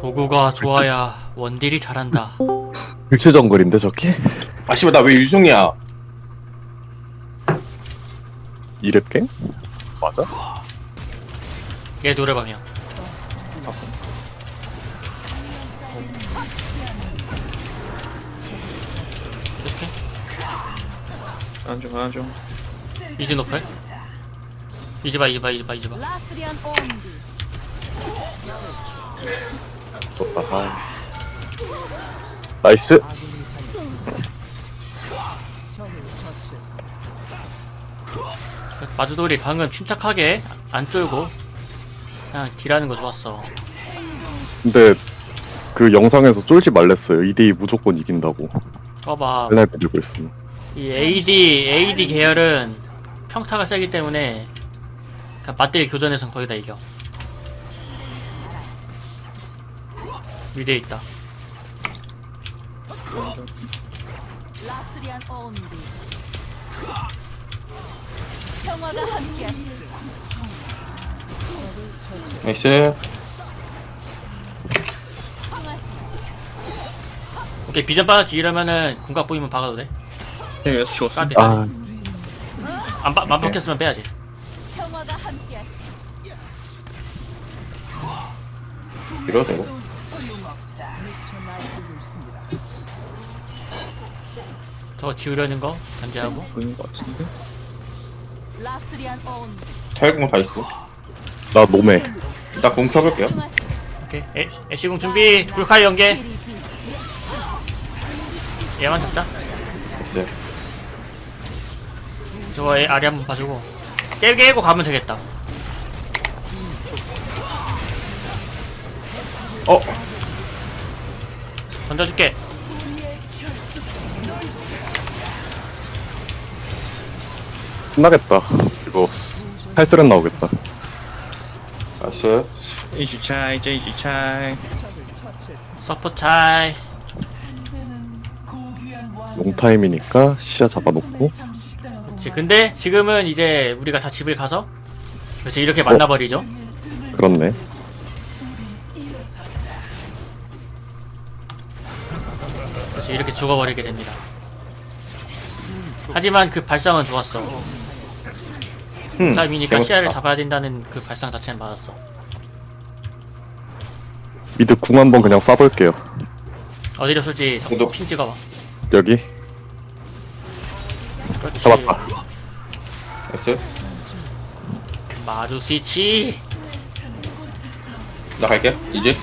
도구가 좋아야 원딜이 잘한다. 일체 정글인데 저게? 아 씨발 나 왜 유승이야? 이랩갱? 맞아? 얘 노래방이야. 이렇게 안중 이즈 노플. 이즈바. 라스리안 온디 좋다. 아. 나이스. 마주돌이 방금 침착하게 안 쫄고 그냥 딜하는 거 좋았어. 근데 그 영상에서 쫄지 말랬어요. 2대2 무조건 이긴다고. 봐봐. 맨날 들고 있으면. 이 AD 계열은 평타가 세기 때문에 그냥 맞대기 교전에선 거의 다 이겨. 미드에 있다. 라스리안 온디 평화가 함께하시길. 나이스. 오케이, 비전 빠졌지. 이러면은 궁각 보이면 박아도 돼. 네 여기서 죽었어. 까비. 아, 안 박혔으면 빼야지. 평화가 함께하시길. 이러도 되고. 저거 지우려는 거 견제하고. 보이는 것 같은데? 라스리안 온디 탈공 다 있어. 나 노매. 일단 공 켜볼게요. 오케이. 애쉬궁 준비. 불칼 연계. 얘만 잡자. 네. 저거 아리 한번 봐주고 깨고 가면 되겠다. 어? 던져줄게. 끝나겠다. 이거 탈스렌 나오겠다. 나이스. 제이지 차이. 서포 차이. 롱타임이니까 시야 잡아놓고. 그치. 근데 지금은 이제 우리가 다 집을 가서 그렇지 이렇게 만나버리죠. 그렇네. 그렇지 이렇게 죽어버리게 됩니다. 하지만 그 발상은 좋았어. 타임이니까 시야를 잡아야 된다는 그 발상 자체는 맞았어. 미드 궁 한번 그냥 쏴볼게요. 어디로 쏠지 공도. 핀 찍어봐. 여기. 그렇지. 잡았다. 나이스. 마주 스위치. 나 갈게. 이제.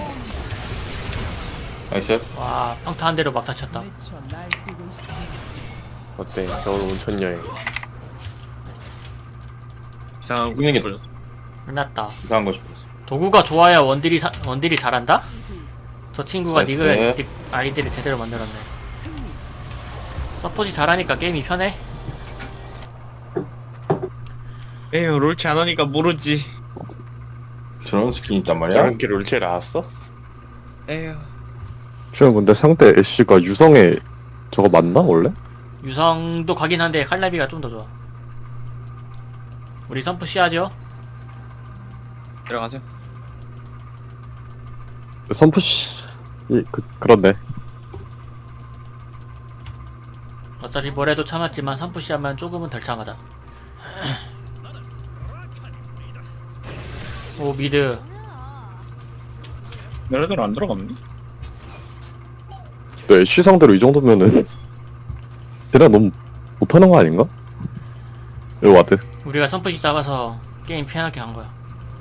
나이스. 와 평타 한 대로 막 다쳤다. 어때? 겨울 온천 여행. 이상한 죽는 게 거 끝났다. 이상한 거 싶었어. 도구가 좋아야 원딜이 잘한다? 저 친구가 나이스. 닉 아이디를 제대로 만들었네. 서폿이 잘하니까 게임이 편해. 에휴 롤치 안 하니까 모르지. 저런 스킨 있단 말이야? 게 롤체 나왔어? 에휴. 지금 근데 상대 애쉬가 유성에 저거 맞나 원래? 유성도 가긴 한데 칼라비가 좀 더 좋아. 우리 선프 시야죠? 들어가세요. 선푸시 그렇네. 어차피 뭐래도 참았지만 선프 시야만 조금은 덜 참하다. 오 미드. 너네들 안 들어갔니? 또 애쉬 상대로 이 정도면은 걔네 너무 못하는 거 아닌가? 여기 와드. 우리가 선프시 잡아서 게임 편하게 한 거야.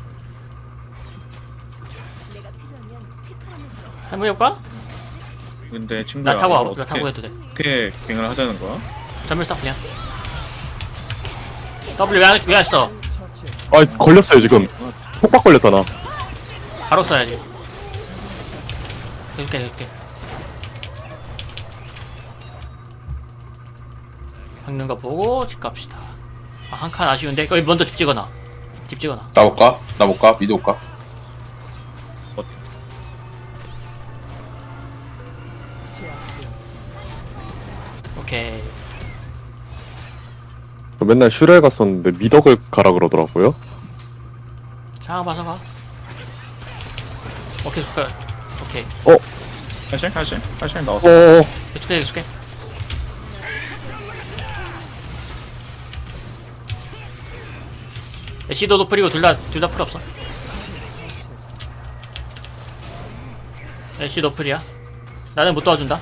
해보실까? 근데 친구야. 나 타고 와봐. 나 어떻게 타고 해도 돼. 어떻게 갱을 하자는 거야? 전멸 써 그냥. W 왜 안 써? 아 걸렸어요 지금. 폭박 걸렸잖아. 바로 써야지. 이렇게. 박는 거 보고 집 갑시다. 아, 한 칸 아쉬운데 거기 먼저 집 찍어놔. 나 볼까? 나 볼까? 미드 볼까? 오케이. 저 맨날 슈레 갔었는데 미덕을 가라 그러더라고요. 자 봐서 가. 오케이 좋다. 오케이. 칼슘 나왔어. 어어어. 계속해. 애쉬도 노플이고 둘 다 풀 없어. 애쉬 노플이야. 나는 못 도와준다.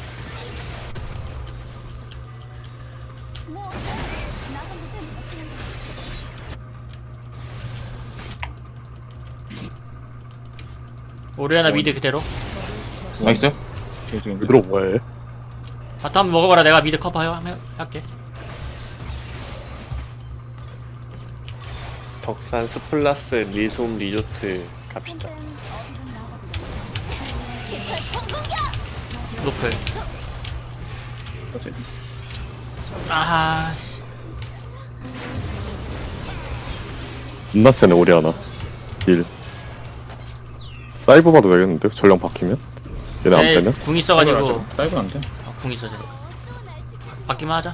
오리아나 미드 그대로. 나이스. 얘들아 뭐해? 바텀 한번 먹어봐라. 내가 미드 커버 할게. 덕산 스플라스 리솜 리조트 갑시다. 노플. 아하. 존나 세네 오리아나. 딜. 사이버 봐도 되겠는데? 전령 바뀌면? 얘네 안 빼면? 궁 있어가지고. 다이브 안 돼. 궁 있어. 바뀌만 하자.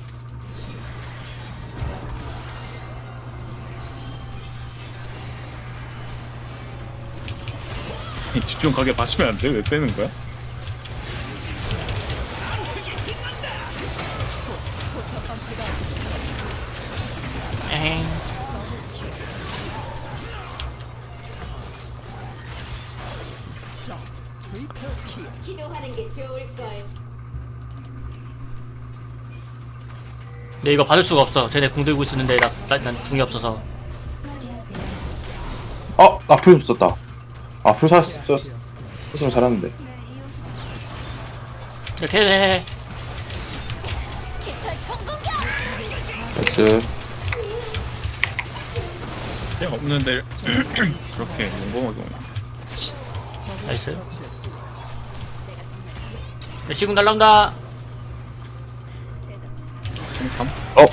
집중 가게 마시면 안 돼? 왜 빼는 거야? 에잉. 기도하는 게 좋을 걸. 근데 이거 받을 수가 없어. 쟤네 궁 들고 있었는데 난 궁이 없어서. 나 풀 썼다. 풀 썼으면 잘하는데. 이렇게 해. 나이스. 그냥 없는데 그렇게 용범하게 오냐. 나이스. 시궁 날라온다. 참 어?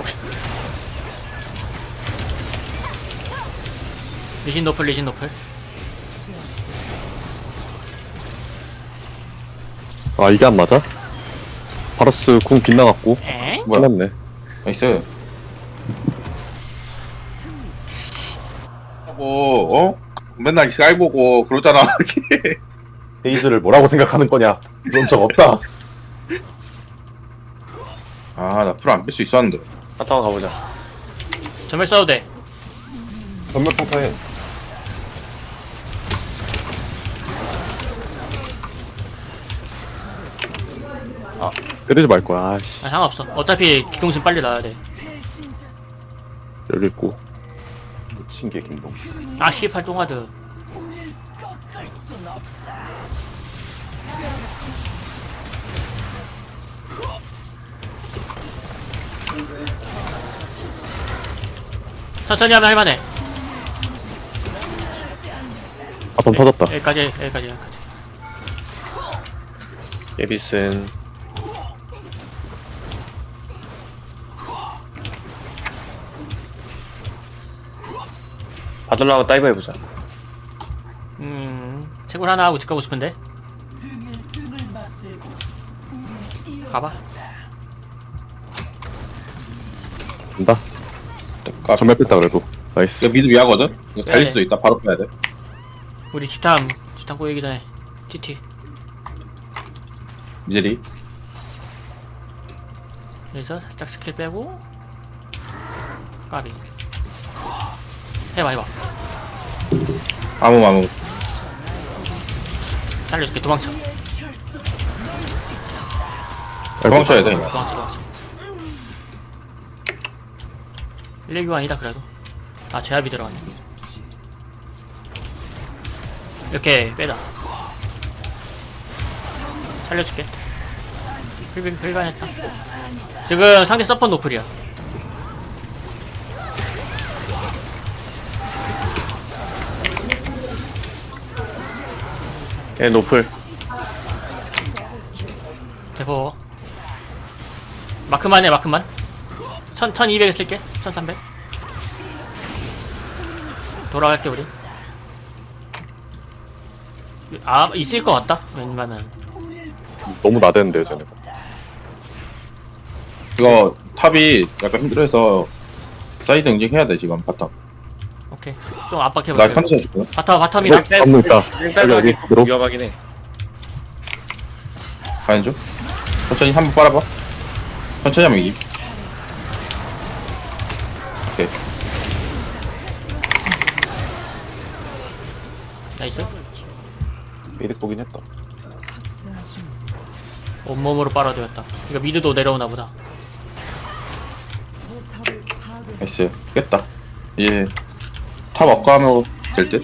리신 노플. 아 이게 안 맞아? 바로스 궁 빗나갔고 에? 뭐야? 끝났네. 나이스. 맨날 쌀 보고 그러잖아. 페이즈를 뭐라고 생각하는 거냐? 그런 적 없다. 나 풀 안 뺄 수 있었는데. 바탕 가보자. 전멸 써도 돼. 전멸 평타해. 때리지 말 거야. 아씨. 아, 상관없어. 어차피 기동신 빨리 나와야 돼. 여기 있고. 묻힌 게 김동. 아, 씨발 똥하드. 천천히 하면 할만해. 바텀 터졌다. 여기까지. 예비슨 받으려고 다이브 해보자. 채굴 하나 하고 집 가고 싶은데. 가봐. 간다. 전멸 뺐다 그래도. 나이스. 이거 미드 위하거든? 이거 달릴 네. 수도 있다. 바로 빼야 돼. 우리 집탐 꼬이기 전에 TT. 미드리. 여기서 살짝 스킬 빼고 까비. 해봐. 아무. 살려줄게. 도망쳐. 도망쳐야 돼. 도망쳐. 1, 2교환이다 그래도. 아, 제압이 들어갔네. 이렇게 빼다. 살려줄게. 필간했다. 지금 상대 서폿 노플이야. 걔 노플. 대포. 마크만 해. 1200에 쓸게. 1300. 돌아갈게 우리. 있을 것 같다. 웬만한. 너무 나대는데 쟤네. 이거 탑이 약간 힘들어서 사이드 응징해야 돼 지금 바텀. 오케이. 좀 압박해볼게. 나 컨디션 줄게. 바텀이 어? 잡는다. 여기 일단 여기 들어. 위험하긴 해. 가는 중. 천천히 한번 빨아봐. 천천히 하면 이기. 오케이. 나이스. 미드 보긴 했다. 온몸으로 빨아들였다. 이거 미드도 내려오나 보다. 나이스. 깼다. 이제 탑 업가하면 될 듯?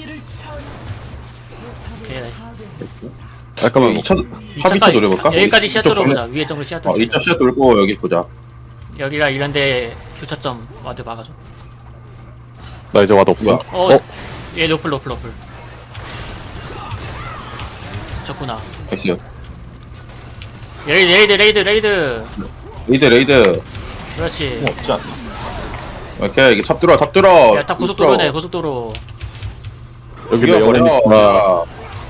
오케이, 나이스. 잠깐만, 2차 노려볼까? 여기까지 시야 이쪽 뚫어보자. 정리- 위에 정글 시야 어, 뚫어. 2차 시야 돌고 여기 보자. 여기가 이런데 교차점 와드 막아줘. 나 이제 와도 없어. 뭐야? 얘 노플. 졌구나. 나이스. 레이드. 레이드. 그렇지. 없지 않나? 오케이, 이게 탑 뚫어. 야, 다 고속도로네, 고속도로. 여기 레오니까.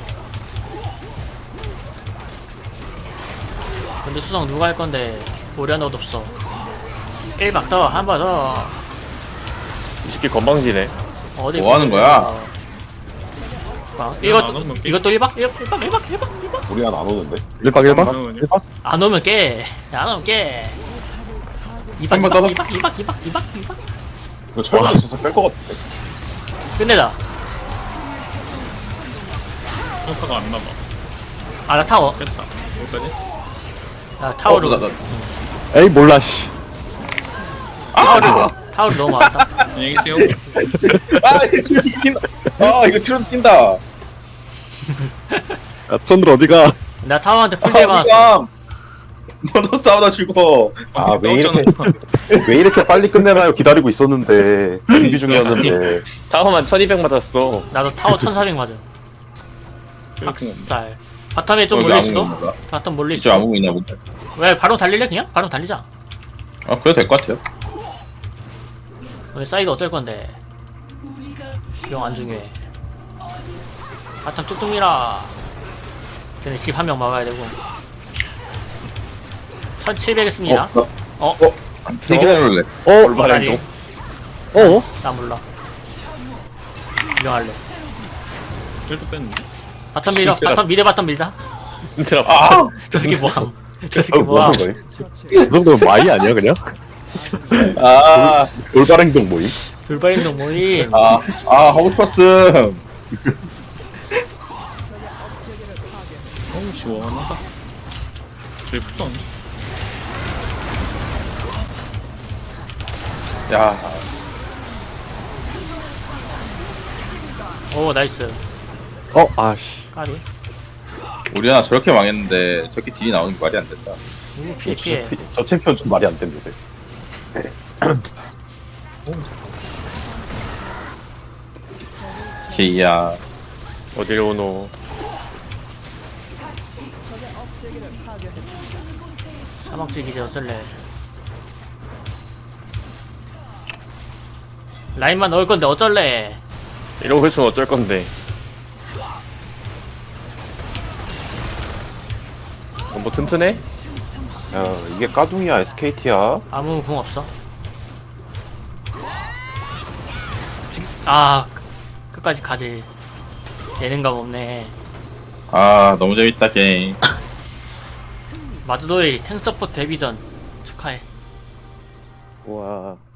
근데 수성 누가 할 건데, 오리아나도 없어. 1박 더, 한 번 더. 이 새끼 건방지네. 어디 뭐 하는 거야? 아, 안 이것도, 오면 깨. 이것도 1박? 1박? 우리 안 오는데? 1박 1박? 그러면요? 1박? 안 오면 깨. 안 오면 깨. 2박, 한번 더. 2박. 이거 철거 있어서 뺄 것 같은데. 끝내자. 평타가 안 나봐. 아, 나 타워. 깼다. 여기까지? 나 타워로. 에이, 몰라, 씨. 타워로 너무 많다. 안녕히 계세요. 아, 이거 뛴다. 아, 이거 트론 뛴다. 야, 손들 어디가? 나 타워한테 풀대 맞았어. 어디가? 너도 싸우다 죽어. 아, 왜 이렇게 빨리 끝내나요? 기다리고 있었는데. 준비 중이었는데. 타워만 1200 맞았어. 나도 타워 1400 맞아. 박살. 바텀에 좀 여기 몰릴 수도? 아무 건가? 바텀 몰릴 이쪽 수도? 아무 있나 본데. 왜 바로 달릴래 그냥? 바로 달리자. 아, 그래도 될 것 같아요. 오늘 사이드 어쩔 건데. 영 안 중요해. 바텀 쭉쭉 밀어. 걔네 집 한 명 막아야 되고. 1700 했습니다. 어? 되게 잘할래. 올바른 다리. 동. 나 몰라. 구경할래. 쟤도 뺐는데? 바텀 밀어. 바텀 미드 바텀 밀자. 얘들아, 아, 저 새끼 뭐함. 저 새끼 뭐함. 이 정도면 마이 아니야, 그냥? 아, 올바른 행동 모임? 돌발행동 모임. 하고 싶었음. 어우, 시원하다. 제일 푸던. 야, 오 나이스. 아씨. 까비. 우리 하나 저렇게 망했는데 저렇게 딜이 나오는 게 말이 안 된다. 오 피해. 저 챔피언 좀 말이 안 됩니다. 기야. 어딜 오노. 사막지 기제 어쩔래. 라인만 넣을 건데 어쩔래. 이러고 있으면 어쩔 건데. 뭐 튼튼해? 야, 이게 까둥이야, SKT야? 아무 궁 없어. 아 끝까지 가지. 예능감 없네. 아, 너무 재밌다 게임. 마드도이 탱서포트 데뷔전 축하해. 와.